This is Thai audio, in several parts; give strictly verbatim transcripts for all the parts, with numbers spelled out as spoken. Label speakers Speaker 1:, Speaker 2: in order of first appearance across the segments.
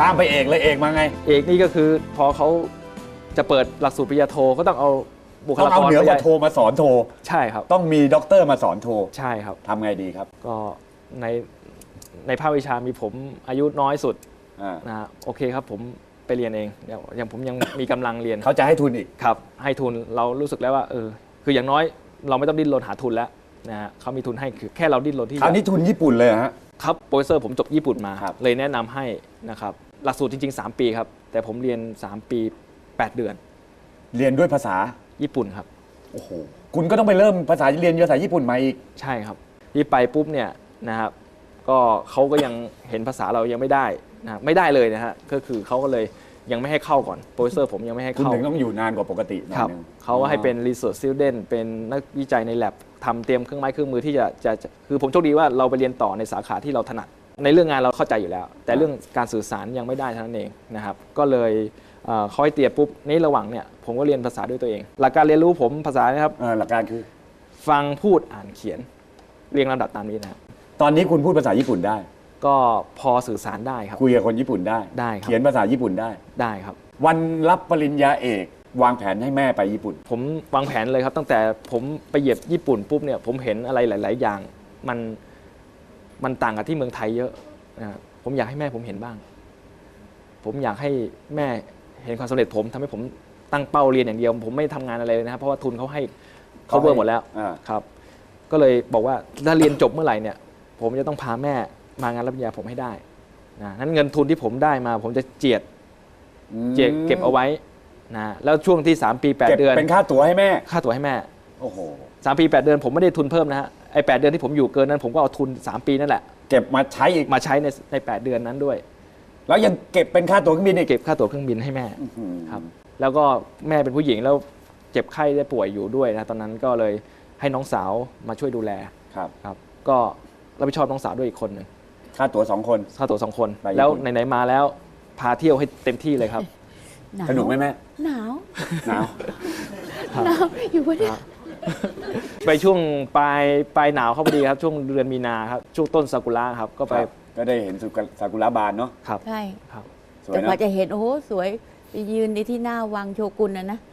Speaker 1: ข้ามไปเอกเลยเอกมาไง
Speaker 2: เอกนี่ก็คือพอเขาจะเปิดหลักสูตรปริญญาโทก็ต้องเอาบุค
Speaker 1: ต้อ
Speaker 2: ลาง ก
Speaker 1: เอา
Speaker 2: ร
Speaker 1: เหนือกว่าโทมาสอนโท
Speaker 2: ใช่ครับ
Speaker 1: ต้องมีด็อกเตอร์มาสอนโท
Speaker 2: ใช่ครับ
Speaker 1: ทำไงดีครับ
Speaker 2: ก็ในในภาควิชามีผมอายุน้อยสุดนะฮะโอเคครับผมไปเรียนเองอย่างผมยังมีกำลังเรียน
Speaker 1: เขาจะให้ทุนอีก
Speaker 2: ครับให้ทุนเรารู้สึกแล้วว่าเออคืออย่างน้อยเราไม่ต้องดิ้นรนหาทุนแล้วนะฮะเขามีทุนให้คือแค่เราดิ้นรนที่
Speaker 1: คราวนี้ทุนญี่ปุ่นเลยฮะ
Speaker 2: ครับโปรเฟสเซอร์ผมจบญี่ปุ่นมาเลยแนะนำให้นะครับหลักสูตรจริงๆสามปีครับแต่ผมเรียนสามปีแปดเดือน
Speaker 1: เรียนด้วยภาษา
Speaker 2: ญี่ปุ่นครับ
Speaker 1: โอ้โหคุณก็ต้องไปเริ่มภาษาเรียนภาษาญี่ปุ่นมาอีก
Speaker 2: ใช่ครับที่ไปปุ๊บเนี่ยนะครับก็เขาก็ยังเห็นภาษาเรายังไม่ได้นะไม่ได้เลยนะฮะก็คือเขาก็เลยยังไม่ให้เข้าก่อนโปรเฟสเซอร์ผมยังไม่ให้เข้า
Speaker 1: คุณถึงต้องอยู่นานกว่าปกติ
Speaker 2: ครับเขาให้เป็น research student เป็นนักวิจัยใน lab ทำเตรียมเครื่องไม้เครื่องมือที่จะจะคือผมโชคดีว่าเราไปเรียนต่อในสาขาที่เราถนัดในเรื่องงานเราเข้าใจอยู่แล้วแต่เรื่องการสื่อสารยังไม่ได้เท่านั้นเองนะครับก็เลยเขาให้เตรียมปุ๊บนี้ระหว่างเนี่ยผมก็เรียนภาษาด้วยตัวเองหลักการเรียนรู้ผมภาษานะครับ
Speaker 1: หลักการคือ
Speaker 2: ฟังพูดอ่านเขียนเรียงลำดับตามนี้นะครับ
Speaker 1: ตอนนี้คุณพูดภาษาญี่ปุ่นได้
Speaker 2: ก็พอสื่อสารได้ครับ
Speaker 1: คุยกับคนญี่ปุ่นได้
Speaker 2: ได้ครับ
Speaker 1: เขียนภาษาญี่ปุ่นได้
Speaker 2: ได้ครับ
Speaker 1: วันรับปริญญาเอกวางแผนให้แม่ไปญี่ปุ่น
Speaker 2: ผมวางแผนเลยครับตั้งแต่ผมไปเหยียบญี่ปุ่นปุ๊บเนี่ยผมเห็นอะไรหลายๆอย่างมันมันต่างกับที่เมืองไทยเยอะนะผมอยากให้แม่ผมเห็นบ้างผมอยากให้แม่เห็นความสำเร็จผมทำให้ผมตั้งเป้าเรียนอย่างเดียวผมไม่ทำงานอะไรเลยนะครับเพราะว่าทุนเขาให้เขาเบิร์หมดแล้วครับก็เลยบอกว่าถ้าเรียนจบเมื่อไหร่เนี่ยผมจะต้องพาแม่มางานรับปริญญาผมให้ได้นะนั้นเงินทุนที่ผมได้มาผมจะเจียดเจียดเก็บเอาไว้นะแล้วช่วงที่สามปีแปดเดือน
Speaker 1: เป็นค่าตั๋วให้แม่
Speaker 2: ค่าตั๋วให้แม่
Speaker 1: โอ้โห
Speaker 2: สามปีแปดเดือนผมไม่ได้ทุนเพิ่มนะฮะไอ้แปดเดือนที่ผมอยู่เกินนั้นผมก็เอาทุนสามปีนั่นแหละ
Speaker 1: เก็บมาใช้อีก
Speaker 2: มาใช้ในในแปดเดือนนั้นด้วย
Speaker 1: แล้วยังเก็บเป็นค่าตั๋วเครื่องบินอีก
Speaker 2: เก็บค่าตั๋วเครื่องบินให้แม่ครับแล้วก็แม่เป็นผู้หญิงแล้วเจ็บไข้ได้ป่วยอยู่ด้วยนะตอนนั้นก็เลยให้น้องสาวมาช่วยดูแล
Speaker 1: ครับ
Speaker 2: ครับก็รับผิดชอบน้องสาวด้วยอีกคนหนึ่ง
Speaker 1: ค่าตั๋วสองคน
Speaker 2: ค่าตั๋วสองคนแล้วไหนๆมาแล้วพาเที่ยวให้เต็มที่เลยครับ
Speaker 1: สนุกไหมแม่
Speaker 3: หนาว
Speaker 1: หนาว
Speaker 3: หนาวอยู่วะเนี่ย
Speaker 2: ไปช่วงปลายปลายหนาวเข้าพอดีครับช่วงเดือนมีนาครับช่วงต้นซากุระครับก็ไป
Speaker 1: ก็ได้เห็นซากุระบานเนาะ
Speaker 2: ครับ
Speaker 3: ใช่
Speaker 2: ครับ
Speaker 3: แต่พอจะเห็นโอ้โหสวยไปยืนในที่หน้าวังโชกุนนะนะ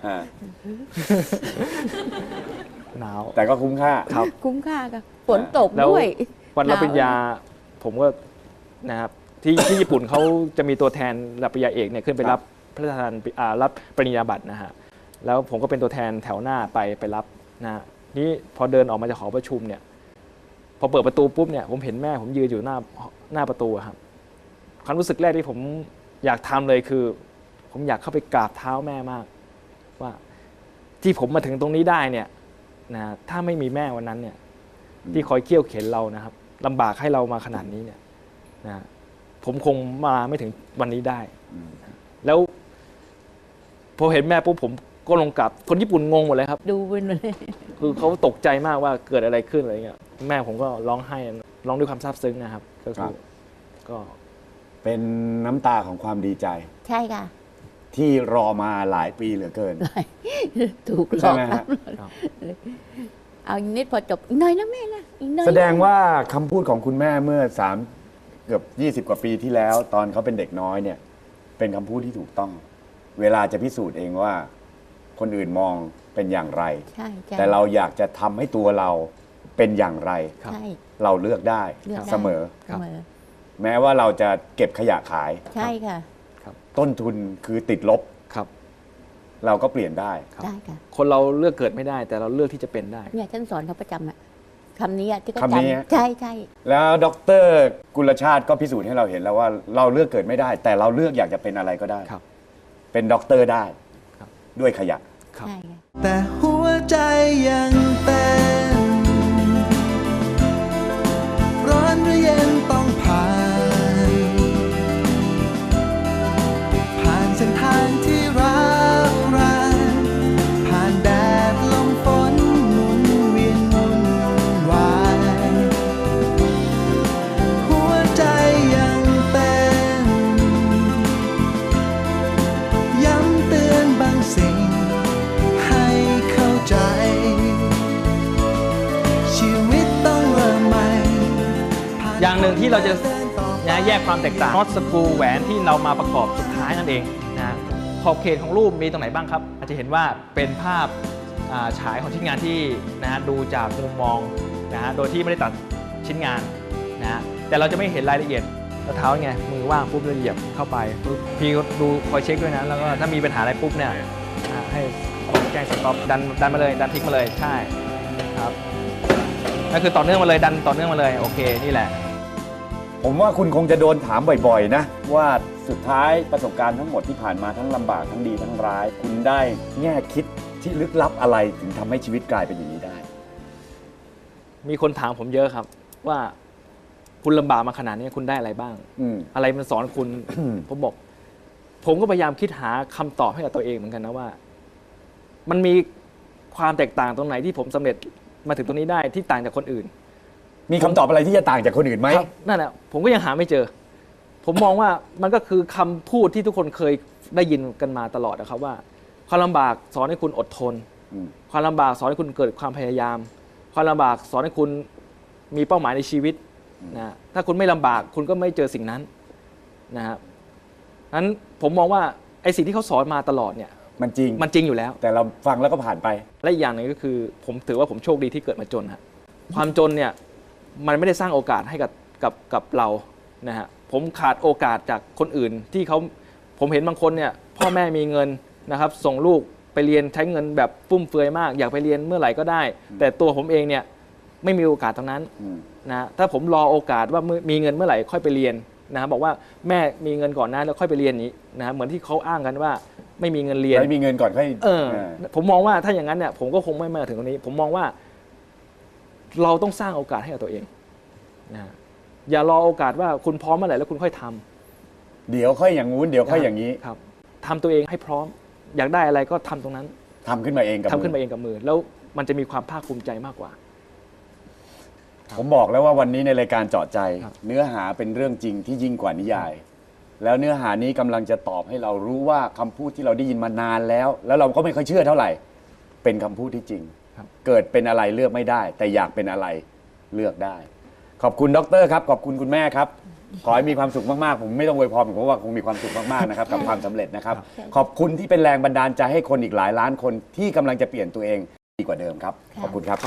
Speaker 2: หนาว
Speaker 1: แต่ก็คุ้มค่า
Speaker 2: ครับ
Speaker 3: คุ้มค่าค่ะฝนตกด้วย
Speaker 2: วันรับปริญญาผมก็นะครับที่ที่ญี่ปุ่นเขาจะมีตัวแทนรับปริญญาเอกเนี่ยขึ้นไปรับพระราชทานรับปริญญาบัตรนะฮะแล้วผมก็เป็นตัวแทนแถวหน้าไปไปรับนะนี่พอเดินออกมาจากหอประชุมเนี่ยพอเปิดประตูปุ๊บเนี่ยผมเห็นแม่ผมยืนอยู่หน้าหน้าประตูครับความรู้สึกแรกที่ผมอยากทำเลยคือผมอยากเข้าไปกราบเท้าแม่มากว่าที่ผมมาถึงตรงนี้ได้เนี่ยนะถ้าไม่มีแม่วันนั้นเนี่ยที่คอยเคี่ยวเข็นเรานะครับลำบากให้เรามาขนาดนี้เนี่ยนะผมคงมาไม่ถึงวันนี้ได้แล้วพอเห็นแม่ปุ๊บผมก็ลงกลับคนญี่ปุ่นงงหมดเลยครับ
Speaker 3: ดูเป็นเลย
Speaker 2: คือเขาตกใจมากว่าเกิดอะไรขึ้นอะไรเงี้ยแม่ผมก็ร้องไห้ร้องด้วยความซาบซึ้งนะครับก็คือก็
Speaker 1: เป็นน้ำตาของความดีใจ
Speaker 3: ใช่ค่ะ
Speaker 1: ที่รอมาหลายปีเหลือเกิน
Speaker 3: ถูกหลอกเอาอีกนิดพอจบอีกหน่อยนะแม่นะอีกหน่อย
Speaker 1: แสดงว่าคำพูดของคุณแม่เมื่อสามเกือบยี่สิบกว่าปีที่แล้วตอนเขาเป็นเด็กน้อยเนี่ยเป็นคำพูดที่ถูกต้องเวลาจะพิสูจน์เองว่าคนอื่นมองเป็นอย่างไรแต่เราอยากจะทำให้ตัวเราเป็นอย่างไรเราเลือกได้เสมอแม้ว่าเราจะเก็บขยะขาย
Speaker 3: ใช่ค่ะ
Speaker 1: ต้นทุนคือติดลบ
Speaker 2: ครับ
Speaker 1: เราก็เปลี่ยนได้
Speaker 3: ได้ค่ะ
Speaker 2: คนเราเลือกเกิดไม่ได้แต่เราเลือกที่จะเป็นได้
Speaker 3: เนี่ยฉันสอนเขาประจำอะคำนี้ที่เขาจำใช่ใช่
Speaker 1: แล้วดร.กุลชาติก็พิสูจน์ให้เราเห็นแล้วว่าเราเลือกเกิดไม่ได้แต่เราเลือกอยากจะเป็นอะไรก็ได้เป็นด็อกเตอร์ได้ด้วยขยะ
Speaker 4: แต่หัวใจยังเป็นร้อนหรือเย็นต้องผ่านผ่านเส้นทางที่ร้าวรานผ่านแดดลมฝนหมุนเวียนวุ่นวายหัวใจยังเป็นย้ำเตือนบางสิ่ง
Speaker 2: อย่างหนึ่งที่เราจะอยากให้นะแยกความแตกต่างน็อตสกรูแหวนที่เรามาประกอบสุดท้ายนั่นเองนะขอบเขตของรูปมีตรงไหนบ้างครับอาจจะเห็นว่าเป็นภาพอ่าฉายของชิ้นงานที่นะฮะดูจากมุมมองนะฮะโดยที่ไม่ได้ตัดชิ้นงานนะฮะแต่เราจะไม่เห็นรายละเอียดแล้วเท้าไงมือว่างปุ๊บเราเหยียบเข้าไปปุ๊บพี่ก็ดูคอยเช็คด้วยนะแล้วก็ถ้ามีปัญหาอะไรปุ๊บเนี่ยอ่าให้แจ้งสต็อปดันดันมาเลยดันทิ้งมาเลยใช่ครับนั่นคือต่อเนื่องมาเลยดันต่อเนื่องมาเลยโอเคนี่แหละ
Speaker 1: ผมว่าคุณคงจะโดนถามบ่อยๆนะว่าสุดท้ายประสบการณ์ทั้งหมดที่ผ่านมาทั้งลำบากทั้งดีทั้งร้าย คุณได้แง่คิดที่ลึกลับอะไรถึงทำให้ชีวิตกลายเป็นอย่างนี้ได้
Speaker 2: มีคนถามผมเยอะครับว่าคุณลำบากมาขนาดนี้คุณได้อะไรบ้าง
Speaker 1: อืม
Speaker 2: อะไรมันสอนคุณ ผมบอก ผมก็พยายามคิดหาคำตอบให้กับตัวเองเหมือนกันนะว่า มันมีความแตกต่างตรงไหนที่ผมสำเร็จมาถึงตรงนี้ได้ที่ต่างจากคนอื่น
Speaker 1: มีคำตอบอะไรที่จะต่างจากคนอื่นไหม
Speaker 2: ครับนั่นแหละผมก็ยังหาไม่เจอ ผมมองว่ามันก็คือคำพูดที่ทุกคนเคยได้ยินกันมาตลอดนะครับว่า ความลำบากสอนให้คุณอดทน
Speaker 1: อืม
Speaker 2: ความลำบากสอนให้คุณเกิดความพยายาม ความลำบากสอนให้คุณมีเป้าหมายในชีวิตนะถ้าคุณไม่ลำบากคุณก็ไม่เจอสิ่งนั้นนะครับนั้นผมมองว่าไอ้สิ่งที่เขาสอนมาตลอดเนี่ย
Speaker 1: มันจริง
Speaker 2: มันจริงอยู่แล้ว
Speaker 1: แต่เราฟังแล้วก็ผ่านไป
Speaker 2: และอีกอย่างหนึ่งก็คือ ผมถือว่าผมโชคดีที่เกิดมาจนฮะความจนเนี่ยมันไม่ได้สร้างโอกาสให้กับกับกับเรานะฮะผมขาดโอกาสจากคนอื่นที่เขาผมเห็นบางคนเนี่ยพ่อแม่มีเงินนะครับส่งลูกไปเรียนใช้เงินแบบฟุ่มเฟือยมาก อยากไปเรียนเมื่อไหร่ก็ได้ แต่ตัวผมเองเนี่ยไม่มีโอกาสตรงนั้น
Speaker 1: อืม
Speaker 2: นะถ้าผมรอโอกาสว่ามีเงินเมื่อไหร่ค่อยไปเรียนนะบอกว่าแม่มีเงินก่อนนะแล้วค่อยไปเรียนนี้นะเหมือนที่เขาอ้างกันว่าไม่มีเงินเรียน
Speaker 1: ไม่มีเงินก่อนค่อย
Speaker 2: เออ
Speaker 1: เออ
Speaker 2: ผมมองว่าถ้าอย่างนั้นเนี่ยผมก็คงไม่มาถึงตรงนี้ ผมมองว่าเราต้องสร้างโอกาสให้กับตัวเองนะอย่ารอโอกาสว่าคุณพร้อมเมื่อไหร่แล้วคุณค่อยทำ
Speaker 1: เดี๋ยวค่อยอย่างงู้นเดี๋ยวค่อยอย่างนี้
Speaker 2: ครับทำตัวเองให้พร้อม อยากได้อะไรก็ทำตรงนั้น
Speaker 1: ทำขึ้นมาเองกับ
Speaker 2: ทำขึ้น
Speaker 1: มื
Speaker 2: มา
Speaker 1: อ
Speaker 2: เองกับมือ แล้วมันจะมีความภาคภูมิใจมากกว่า
Speaker 1: ผมบอกแล้วว่าวันนี้ในรายการเจาะใจ
Speaker 2: ครับ
Speaker 1: เนื้อหาเป็นเรื่องจริงที่ยิ่งกว่านิยาย แล้วเนื้อหานี้กำลังจะตอบให้เรารู้ว่าคำพูดที่เราได้ยินมานานแล้ว แล้วเราก็ไม่ค่อยเชื่อเท่าไหร่ เป็นคำพูดที่จริง
Speaker 2: ครับ
Speaker 1: เกิดเป็นอะไรเลือกไม่ได้ แต่อยากเป็นอะไรเลือกได้ ขอบคุณดรครับขอบคุณคุณแม่ครับ ขอให้มีความสุขมากๆผมไม่ต้องอวยพรผมเพราะว่าคงมีความสุขมากๆนะครับกับความสำเร็จนะครับ ขอบคุณที่เป็นแรงบันดาลใจให้คนอีกหลายล้านคนที่กำลังจะเปลี่ยนตัวเองดีกว่าเดิมครับขอบคุณครับ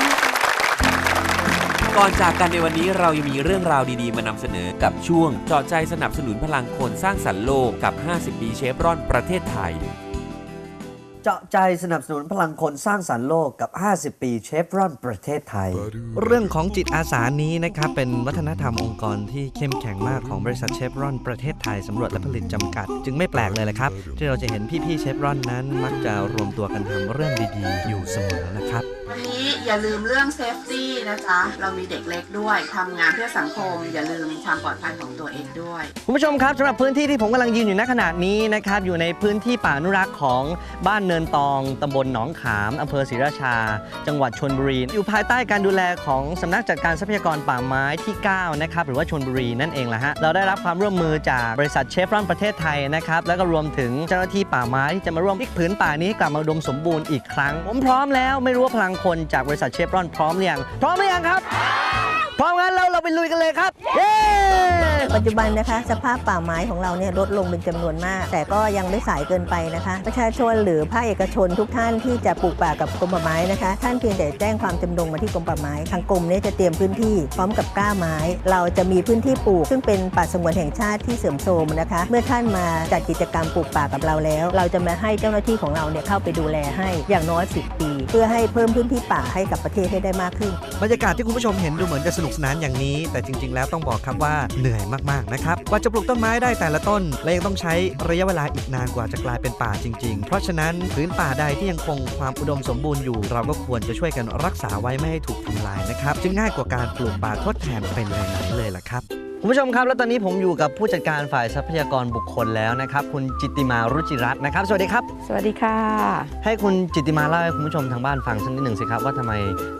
Speaker 5: ก่อนจากกันในวันนี้เรายังมีเรื่องราวดีๆมานำเสนอกับช่วงเจาะใจสนับสนุนพลังคนสร้างสรรค์โลกกับ ห้าสิบ ปีเชฟรอนประเทศไทย
Speaker 6: เจาะใจสนับสนุนพลังคนสร้างสรรค์โลกกับ ห้าสิบ ปีเชฟรอนประเทศไทย
Speaker 7: เรื่องของจิตอาสานี้นะครับเป็นวัฒนธรรมองค์กรที่เข้มแข็งมากของบริษัทเชฟรอนประเทศไทยสำรวจและผลิตจำกัด จึงไม่แปลกเลยแหละครับ ที่เราจะเห็นพี่ๆเชฟรอนนั้น มักจะรวมตัวกันทำเรื่องดีๆ อยู่เสมอนะครับ
Speaker 8: วันนี้อย่าลืมเรื่องเซฟตี้นะจ๊ะ เรามีเด็กเล็กด้วยทำงานเพื่อสังคม อย่าลืมความปลอดภัยของตัวเองด้วย
Speaker 6: คุณผู้ชมครับสำหรับพื้นที่ที่ผมกำลังยืนอยู่ณขณะนี้นะครับอยู่ในพื้นที่ป่าอนุรักษ์ของบ้านเนินตองตำบลหนองขามอำเภอศรีราชา จังหวัดชลบุรี อยู่ภายใต้การดูแลของสำนักจัดการทรัพยากรป่าไม้ที่เก้านะครับหรือว่าชลบุรีนั่นเองแหละฮะเราได้รับความร่วมมือจากบริษัทเชฟรอนประเทศไทยนะครับแล้วก็รวมถึงเจ้าหน้าที่ป่าไม้ที่จะมาร่วมพลิกผืนป่านี้ให้กลับมาอุดมสมบูรณ์อีกครั้งผมพร้อมแล้วไม่รู้ว่าพลังคนจากบริษัทเชฟรอนพร้อมหรือยังพร้อมหรือยังครับพร้อมงั้นเราเราไปลุยกันเลยครับเย้
Speaker 9: ปัจจุบันนะคะสภาพป่าไม้ของเราเนี่ยลดลงเป็นจำนวนมาก แต่ก็ยังไม่สายเกินไปนะคะ ประชาชนหรือภาคเอกชนทุกท่านที่จะปลูกป่ากับกรมป่าไม้นะคะ ท่านเพียงแต่แจ้งความจำนงมาที่กรมป่าไม้ทางกรมเนี่ยจะเตรียมพื้นที่พร้อมกับกล้าไม้ เราจะมีพื้นที่ปลูก ซึ่งเป็นป่าสงวนแห่งชาติที่เสื่อมโทรมนะคะ เมื่อท่านมาจัดกิจกรรมปลูกป่ากับเราแล้ว เราจะมาให้เจ้าหน้าที่ของเราเนี่ยเข้าไปดูแลให้อย่างน้อยสิบปี เพื่อให้เพิ่มพื้นที่ป่าให้กับประเทศให้ได้มากขึ้น
Speaker 7: บรรยากาศที่คุณผู้ชมเห็นดูเหมือนจะสนุกสนานอย่างนี้ แต่จริงๆแล้วต้องบอกครับว่าเหนื่อยมากๆนะครับกว่าจะปลูกต้นไม้ได้แต่ละต้นและยังต้องใช้ระยะเวลาอีกนานกว่าจะกลายเป็นป่าจริงๆ เพราะฉะนั้นพื้นป่าใดที่ยังคงความอุดมสมบูรณ์อยู่ เราก็ควรจะช่วยกันรักษาไว้ไม่ให้ถูกทำลายนะครับจึงง่ายกว่าการปลูกป่าทดแทนเป็นไหนๆเลยล่ะครับ
Speaker 6: คุณผู้ชมครับแล้วตอนนี้ผมอยู่กับผู้จัดการฝ่ายทรัพยากรบุคคลแล้วนะครับคุณจิตติมารุจิรัตน์นะครับสวัสดีครับ
Speaker 10: สวัสดีค่ะ
Speaker 6: ให้คุณจิตติมาเล่าให้คุณผู้ชมทางบ้านฟังสักนิดหนึ่งสิครับว่าทำไม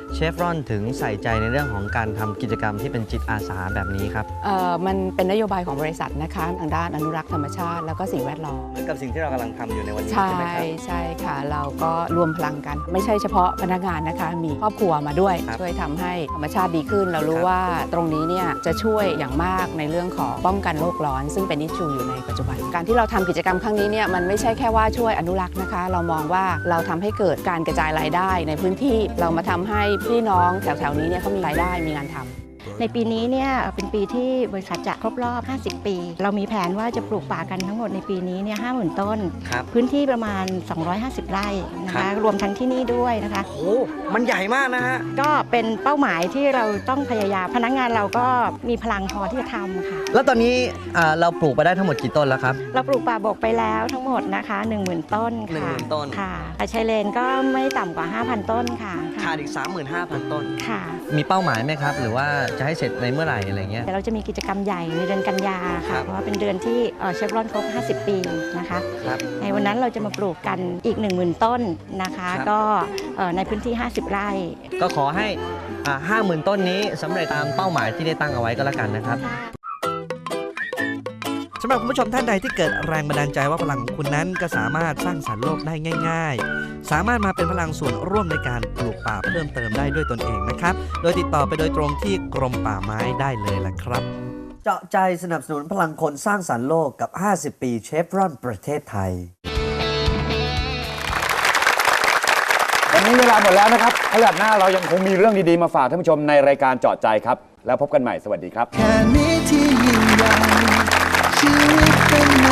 Speaker 6: เชฟรอนถึงใส่ใจในเรื่องของการทำกิจกรรมที่เป็นจิตอาสาแบบนี้ครับ
Speaker 10: เอ่อมันเป็นนโยบายของบริษัทนะคะทางด้านอนุรักษ์ธรรมชาติแล้วก็สิ่งแวดล้อม
Speaker 6: เหมือนกับสิ่งที่เรากำลังทำอยู่ในวันนี้
Speaker 10: ใช่
Speaker 6: ใช่ไหมครับ
Speaker 10: ใช่ค่ะ เราก็รวมพลังกัน ไม่ใช่เฉพาะพนักงานนะคะ มีครอบครัวมาด้วย
Speaker 6: ครับ
Speaker 10: ช่วยทำให้ธรรมชาติดีขึ้น เรารู้
Speaker 6: ครับ
Speaker 10: ว่าตรงนี้เนี่ยจะช่วยอย่างมากในเรื่องของป้องกันโลกร้อน ซึ่งเป็นอิชชูอยู่ในปัจจุบัน การที่เราทำกิจกรรมครั้งนี้เนี่ยมันไม่ใช่แค่ว่าช่วยอนุรักษ์นะคะ เรามองว่าเราทำให้เกิดการกระจายรายได้ในพื้นที่เรามาทำให้พี่น้องแถวๆนี้เนี่ยเขามีรายได้มีงานทำ
Speaker 11: ในปีนี้เนี่ยเป็นปีที่บริษัทจะครบรอบ ห้าสิบ ปี เรามีแผนว่าจะปลูกป่ากันทั้งหมดในปีนี้เนี่ย ห้าหมื่น ต้น
Speaker 6: ครับ
Speaker 11: พื้นที่ประมาณ สองร้อยห้าสิบ ไร่นะ
Speaker 6: ครั
Speaker 11: คะ
Speaker 6: บ
Speaker 11: รวมทั้งที่นี่ด้วยนะคะ
Speaker 6: โอ้มันใหญ่มากนะฮะ
Speaker 11: ก็เป็นเป้าหมายที่เราต้องพยายาม พนักงานเราก็มีพลังพอที่จะทำค่ะ
Speaker 6: แล้วตอนนี้อ่าเราปลูกไปได้ทั้งหมดกี่ต้นแล้วครับ
Speaker 11: เราปลูกป่าบกไปแล้วทั้งหมดนะคะ หนึ่งหมื่น ต้นค่ะ
Speaker 6: หนึ่งหมื่นต้น
Speaker 11: ค่ะแต่ชายเลนก็ไม่ต่ำกว่า ห้าพัน ต้นค่ะ
Speaker 6: ขาดอีก สามหมื่นห้าพัน ต้น
Speaker 11: ค่ะ
Speaker 6: มีเป้าหมายไหมครับ หรือว่าจะให้เสร็จในเมื่อไหร่อะไรเงี้ย
Speaker 11: แต่เราจะมีกิจกรรมใหญ่ในเดือนกันยา
Speaker 6: ครั
Speaker 11: ค่ะ
Speaker 6: บ
Speaker 11: เพราะว่าเป็นเดือนที่เชฟรอนครบ ห้าสิบ ปีนะคะ
Speaker 6: ครับ
Speaker 11: ในวันนั้นเราจะมาปลูกกันอีก หนึ่งหมื่น ต้นนะคะ
Speaker 6: ครับ
Speaker 11: ก็เอ่อในพื้นที่ ห้าสิบ ไร่
Speaker 6: ก็ขอให้ห้าหมื่น ต้นนี้สำเร็จตามเป้าหมายที่ได้ตั้งเอาไว้ก็แล้วกันนะครับ
Speaker 7: สำหรับคุณผู้ชมท่านใดที่เกิดแรงบันดาลใจว่าพลังของคุณนั้นก็สามารถสร้างสรรค์โลกได้ง่าย ๆ สามารถมาเป็นพลังส่วนร่วมในการปลูกป่าเพิ่มเติมได้ด้วยตนเองนะครับ โดยติดต่อไปโดยตรงที่กรมป่าไม้ได้เลยล่ะครับ
Speaker 12: เจาะใจสนับสนุนพลังคนสร้างสรรค์โลกกับ ห้าสิบ ปีเชฟรอนประเทศไทย
Speaker 1: วันนี้เวลาหมดแล้วนะครับพฤหัสหน้าเรายังคงมีเรื่องดีๆมาฝากท่านผู้ชมในรายการเจาะใจครับแล้วพบกันใหม่สวัสดีครับ
Speaker 4: แค่นี้ที่ยิ่งใหญ่ชีวิตเป็น